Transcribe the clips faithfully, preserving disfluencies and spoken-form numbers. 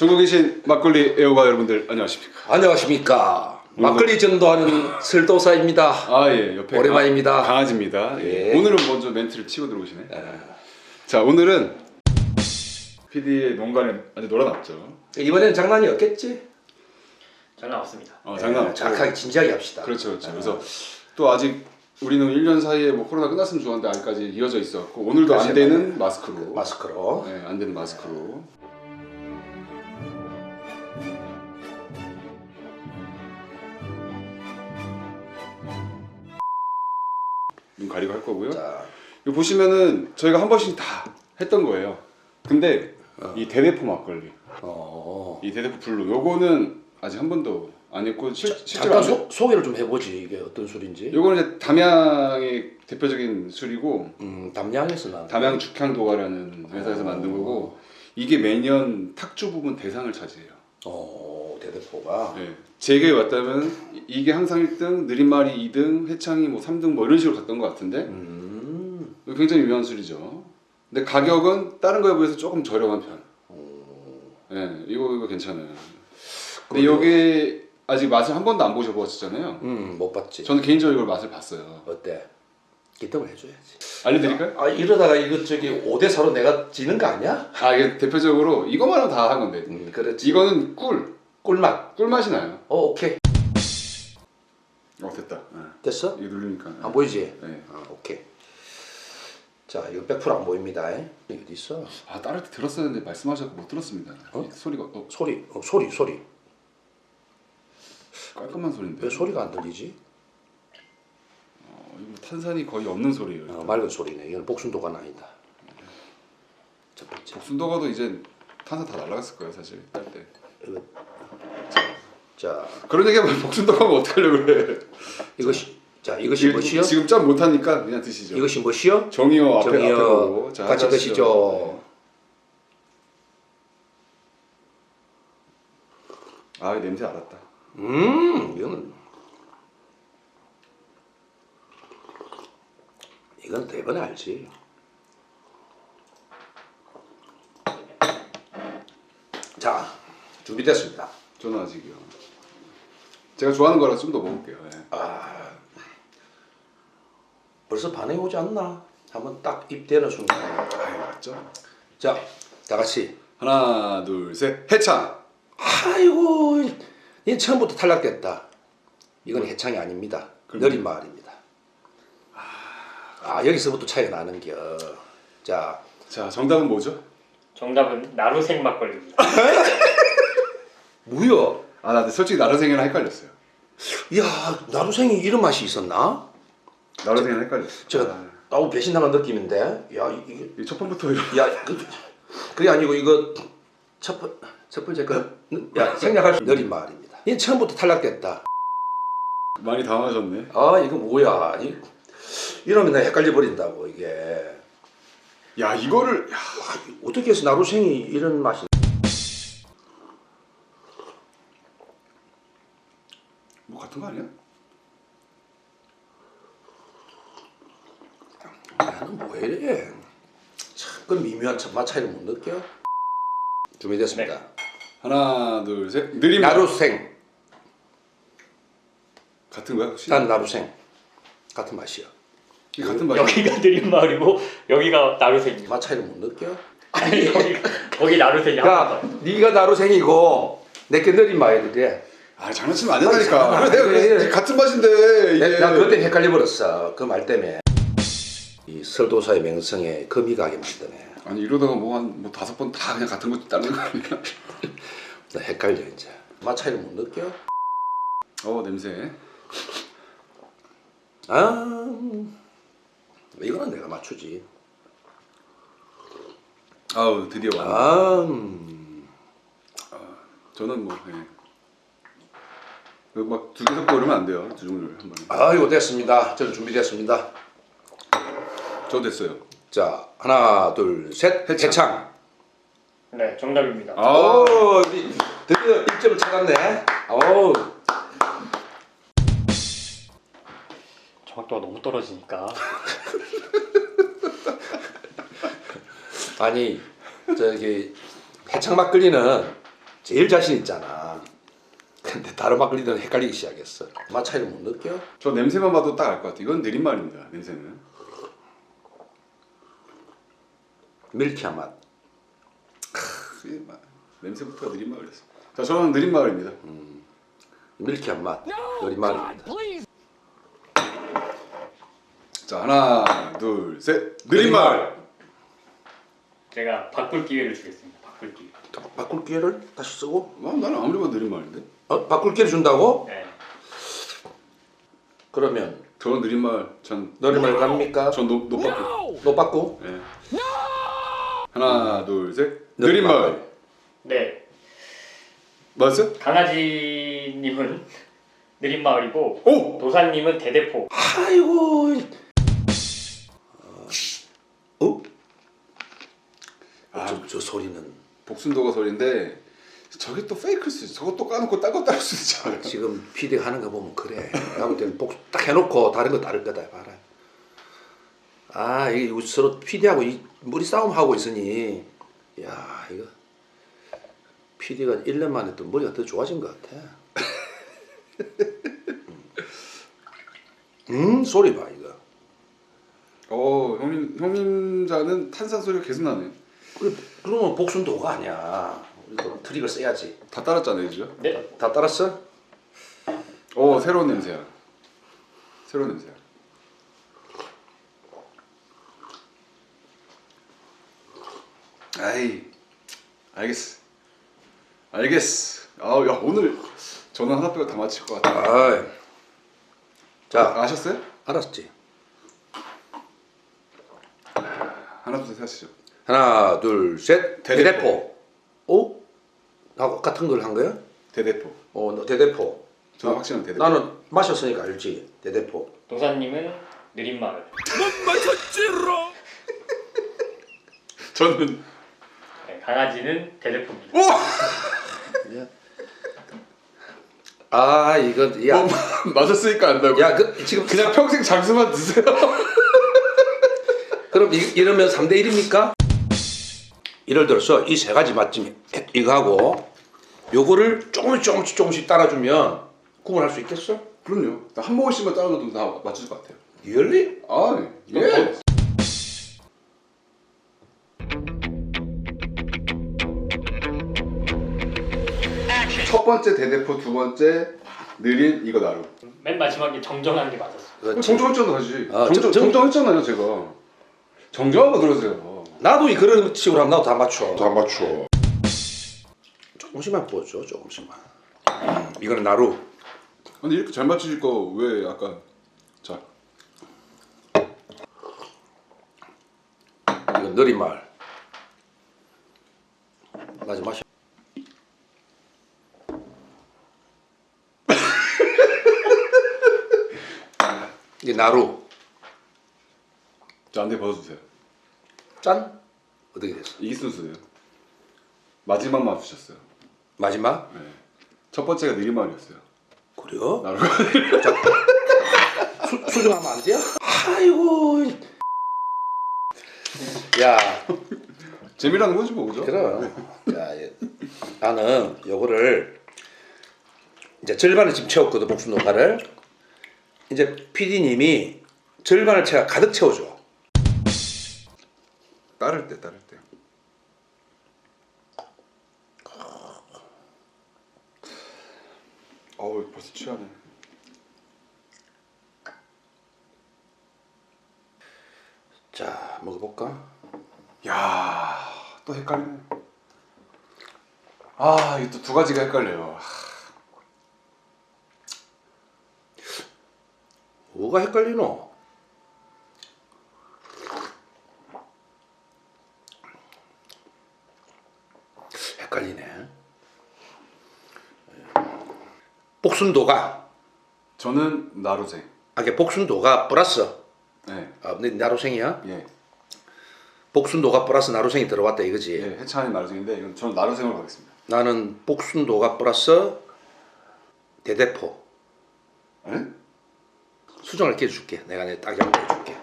전국에 계신 막걸리 애호가 여러분들 안녕하십니까? 안녕하십니까. 막걸리 전도하는 설도사입니다. 아 예, 옆에 오랜만입니다. 가, 강아지입니다. 예. 예. 오늘은 먼저 멘트를 치고 들어오시네. 예. 자, 오늘은 피디의 농간에 아주 놀아놨죠. 이번에는 장난이 없겠지? 장난 없습니다. 어, 장난 없고. 착하게 진지하게 합시다. 그렇죠, 그렇죠. 예. 그래서 또 아직 우리는 일 년 사이에 뭐 코로나 끝났으면 좋았는데 아직까지 이어져 있었고 오늘도 안 그렇지, 되는 마스크로. 마스크로. 네, 안 되는 마스크로. 눈 가리고 할 거고요. 자, 이거 보시면은 저희가 한 번씩 다 했던 거예요. 근데 어. 이 대대포 막걸리, 어. 이 대대포 블루, 요거는 아직 한 번도 안 했고 실, 실제로 잠깐 안 소, 소개를 좀 해보지. 이게 어떤 술인지. 요거는 이제 담양의 대표적인 술이고 음, 담양에서 나. 담양 죽향도가라는 회사에서 어. 만든 거고 이게 매년 탁주 부분 대상을 차지해요. 어, 대대포가. 네. 제게 왔다면 이- 이게 항상 일 등, 느린말이 이 등, 회창이 뭐 삼 등 뭐 이런 식으로 갔던 것 같은데 음. 굉장히 유명한 술이죠. 근데 가격은 다른 거에 비해서 조금 저렴한 편. 네, 이거 이거 괜찮아요. 근데 그래요? 이게 아직 맛을 한 번도 안 보셔보셨잖아요. 음, 못 봤지. 저는 개인적으로 이걸 맛을 봤어요. 어때? 기떡을 해줘야지. 알려드릴까요? 아, 이러다가 이거 저기 오 대 사로 내가 지는 거 아니야? 아 이게 대표적으로 이거만 하면 다 한 건데 음, 그렇지. 이거는 꿀, 꿀맛. 꿀맛이 나요. 어, 오케이. 어 됐다. 네. 됐어? 이거 누르니까. 안 보이지? 네. 아, 오케이. 자, 이거 백 퍼센트 안 보입니다. 이게 어디 있어? 아 따를 때 들었었는데 말씀하셔서 못 들었습니다. 어? 이 소리가 어, 소리, 어, 소리, 소리. 깔끔한 소리인데. 왜 소리가 안 들리지? 어, 이거 탄산이 거의 없는 소리예요. 어, 맑은 소리네. 이건 복순도가 아니다. 첫 번째. 복순도가도 이제 탄산 다 날라갔을 거예요 사실 딸 때. 이거. 자, 그런 얘기하면 복순도가면 어떡하려고 그래. 이것이 자, 이것이 이- 무엇이요? 지금 짬 못하니까 그냥 드시죠. 이것이 무엇이요? 정이요 앞에 앞에 정이요. 보고 자, 같이 하시죠. 드시죠. 아 냄새 알았다. 음, 이거는 이건 대번에 알지. 자, 준비됐습니다. 저는 아직이요. 제가 좋아하는 거라 좀 더 먹을게요. 예. 아, 벌써 반응이 오지 않나? 한번 딱 입대는 순간. 아유 맞죠. 자, 다 같이. 하나 둘 셋 해창. 아이고, 이 처음부터 탈락됐다. 이건 해창이 아닙니다. 그럼- 느린 마을입니다. 아, 여기서부터 차이가 나는겨. 자, 자 정답은 뭐죠? 정답은 나루생 막걸리입니다. 무여. 아 나 솔직히 나르생이랑 헷갈렸어요. 야, 나루생이 이런 맛이 있었나? 나르생이랑 헷갈렸어. 제가 아, 나도 배신당한 느낌인데. 야, 이- 이게 이첫 번부터 이런. 야, 그, 그게 아니고 이거 첫, 번- 첫 번째 거. 야, 생략할 수 느린 마을입니다. 이 처음부터 탈락됐다. 많이 당황하셨네. 아, 이거 뭐야? 이, 이러면 내가 헷갈려 버린다고 이게. 야 이거를 야, 어떻게 해서 나루생이 이런 맛이? 뭐 같은 거 아니야? 나는 뭐 이래? 참, 그 미묘한 맛 차이를 못 느껴? 준비됐습니다. 네. 하나 둘 셋 느림. 나루생, 같은 거야 혹시? 난 나루생 같은 맛이야. 이게 같은 맛이야. 여기가 느린 마을이고 여기가 나루생입니다. 맛 차이를 못 느껴? 아니 여기 거기 나루생이 한 야, 번 더. 네가 나루생이고 내게 느린 마을이래. 아 장난치면 안 된다니까. 아니, 그래, 내가 그래, 그래서 그래. 같은 맛인데 이게. 내- 나 그때 헷갈려 버렸어. 그 말 때문에. 이 설도사의 명성에 금이 가게 만드네. 아니 이러다가 뭐 한 뭐 다섯 번 다 그냥 같은 거 따르는 거 아니야? 나 헷갈려 이제. 맛 차이를 못 느껴? 어 냄새. 아, 이거는 내가 맞추지. 아우 드디어 왔네. 아, 음. 저는 뭐 예. 막두 개 섞고 이러면 안 돼요. 두 종류를 한 번에. 아, 이거 됐습니다. 저는 준비됐습니다. 저 됐어요. 자, 하나, 둘, 셋. 해창. 해창. 네 정답입니다. 아. 오, 우리 드디어 일 점을 찾았네. 오, 정확도가 너무 떨어지니까. 아니 저기 해창 막걸리는 제일 자신 있잖아. 근데 다른 막걸리들은 헷갈리기 시작했어. 맛 차이를 못 느껴? 저 냄새만 봐도 딱 알 것 같아. 이건 느린 말입니다. 냄새는. 밀키한 맛. 크, 이 마- 냄새부터 느린 말이었어. 자, 저는 느린 말입니다. 밀키한 맛. 느린 말입니다. 자, 하나, 둘, 셋. 느린 말. 제가 바꿀 기회를 주겠습니다. 바꿀 기회. 바꿀 기회를 다시 쓰고? 아, 나는 아무리 봐도 느린 말인데. 어? 바꿀 기회를 준다고? 네. 그러면 저는 느린 말. 전 느린 말 갑니까? 전 노, 노빠꾸. 너 바꾸? 예. 하나, 둘, 셋. 느린 느린 말. 네. 맞았어요? 강아지님은 느린 마을이고 오! 도사님은 대대포. 아이고. 어? 아, 저, 저 소리는 복순도가 소리인데 저게 또 페이크일 수 있어. 저거 또 까놓고 딴 거 따를 수 있잖아요. 지금 피디가 하는 거 보면 그래. 내가 볼 때는 복 딱 해놓고 다른 거 따를 거다 봐라. 아 이게 서로 피디하고 이 머리 싸움 하고 있으니 야 이거 피디가 일 년 만에 또 머리가 더 좋아진 것 같아. 음 소리 봐 이거. 어, 형님 형님 자는 탄산 소리가 계속 나네. 그래 그러면 복순도가 아니야. 우리도 트릭을 써야지. 다 따랐잖아요, 그죠? 네. 다, 다 따랐어? 어, 새로운 냄새야. 새로운 냄새야. 아이, 알겠어. 알겠어. 아, 야 오늘 저는 하나 빼고 다 맞힐 것 같아. 아, 자 아셨어요? 알았지. 하나 둘 셋 하시죠. 하나 둘 셋. 대대포. 대대포. 어? 나하고 같은 걸 한 거야? 대대포. 어, 너 대대포. 저는 확실한 대대포. 나는 마셨으니까 알지. 대대포. 도사님은 느린 마을. 저는 네, 강아지는 대대포입니다. 아, 이거 야, 뭐, 맞았으니까 안다고. 야, 그 지금 그냥 평생 장수만 드세요. 그럼 이, 이러면 삼 대 일입니까? 예를 들어서 이 세 가지 맛집 이거하고 요거를 조금씩 조금씩 조금씩 따라주면 구분할 수 있겠어? 그럼요. 한 모금씩만 따라줘도 다 맞출 것 같아요. 열리? 아, 예. 첫 번째 대대포, 두 번째 느린 이거 나루. 맨 마지막에 정정한 게 맞았어. 그렇지. 정정했잖아, 다시. 아, 정정, 정- 정정했잖아요, 제가. 정정한 거 들으세요. 나도 이 그런 식으로 하면 나도 다 맞춰. 다 맞춰. 조금씩만 부어줘, 조금씩만. 이거는 나루. 근데 이렇게 잘 맞추실 거 왜 아까 자 이건 느린말. 맞아, 마셔. 이게 나루. 자, 안대 벗어주세요. 짠. 어떻게 됐어? 이게 순수예요. 마지막 맞추셨어요. 마지막? 네. 첫 번째가 느린 말이었어요. 그래요? 나루가 수, 수정하면 안 돼요? 아이고. 야, 재미라는 거지 뭐, 그죠? 그럼. 야, 예. 나는 요거를 이제 절반을 지금 채웠거든, 복순 녹화를. 이제 피디님이 절반을 채워 가득 채워줘. 따를 때, 따를 때. 어우, 벌써 취하네. 자, 먹어볼까? 야, 또 헷갈리네. 아, 이게 또 두 가지가 헷갈려요. 뭐가 헷갈리노? 헷갈리네. 복순도가 저는 나루생. 아, 이게 복순도가 플러스. 네, 아, 근데 나루생이야? 예, 복순도가 플러스 나루생이 들어왔다 이거지. 예, 해찬이 나루생인데 이건 저는 나루생으로 가겠습니다. 나는 복순도가 플러스 대대포. 예? 수정을 깨줄게. 내가 내 딱 양보해줄게.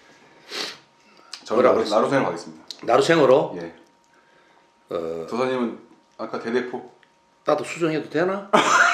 저는 뭐라고 나루, 했어? 나루생으로 가겠습니다. 나루생으로 예. 어, 도사님은 아까 대대포. 나도 수정해도 되나?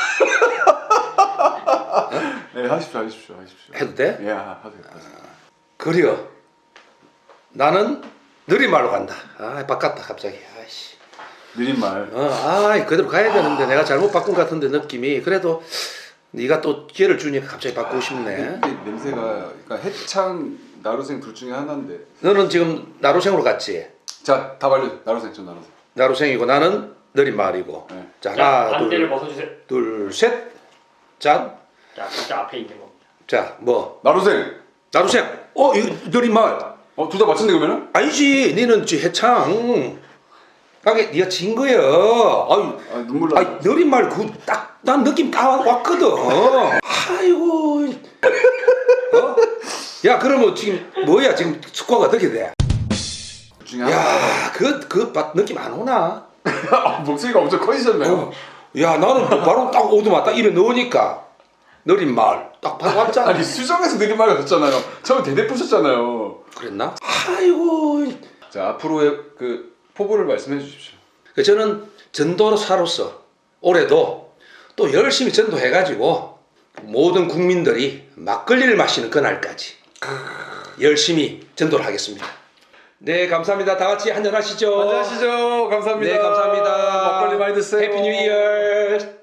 네, 하십시오, 하십시오, 하십시오. 해도 돼? 예, 하세요. 하세요. 그려. 나는 느린말로 간다. 아, 바꿨다 갑자기. 아이씨. 느린 말. 어, 아, 그대로 가야 되는데 내가 잘못 바꾼 것 같은데 느낌이. 그래도 네가 또 기회를 주니까 갑자기 바꾸고 싶네. 이게 냄새가 그러니까 해창 나루생 둘 중에 하나인데. 너는 지금 나루생으로 갔지? 자, 다 발려. 나루생, 전 나루생. 나루생이고 나는 느린말이고. 네. 자, 자, 하나, 반대를 둘, 벗어주세요. 둘, 셋. 짠. 자, 각자 앞에 있는 겁니다. 자, 뭐 나루생. 나루생. 어, 이거 느린말. 어, 둘 다 맞췄네 그러면은? 아니지, 니는 지 해창. 가게 네가 진 거야. 아유, 아, 눈물 나. 아이 느린말 그 딱 난 느낌 다 왔거든. 아이고. 어? 야, 그러면 지금 뭐야? 지금 스코어가 어떻게 돼? 둘 중에 하나. 야, 그 그 느낌 안 오나? 아, 목소리가 엄청 커지셨네요. 어. 야, 나는 바로 딱 오두마 딱 입에 넣으니까 느린말 딱 바로 왔잖아. 아니 수정에서 느린 말 같았잖아요. 처음에 대대 부셨잖아요. 그랬나? 아이고. 자, 앞으로의 그 포부를 말씀해 주십시오. 그 저는 전도사로서 올해도 또 열심히 전도해가지고 모든 국민들이 막걸리를 마시는 그날까지 열심히 전도를 하겠습니다. 네, 감사합니다. 다 같이 한잔 하시죠. 안녕하시죠. 감사합니다. 네, 감사합니다. 막걸리 많이 드세요. 해피 뉴 이어.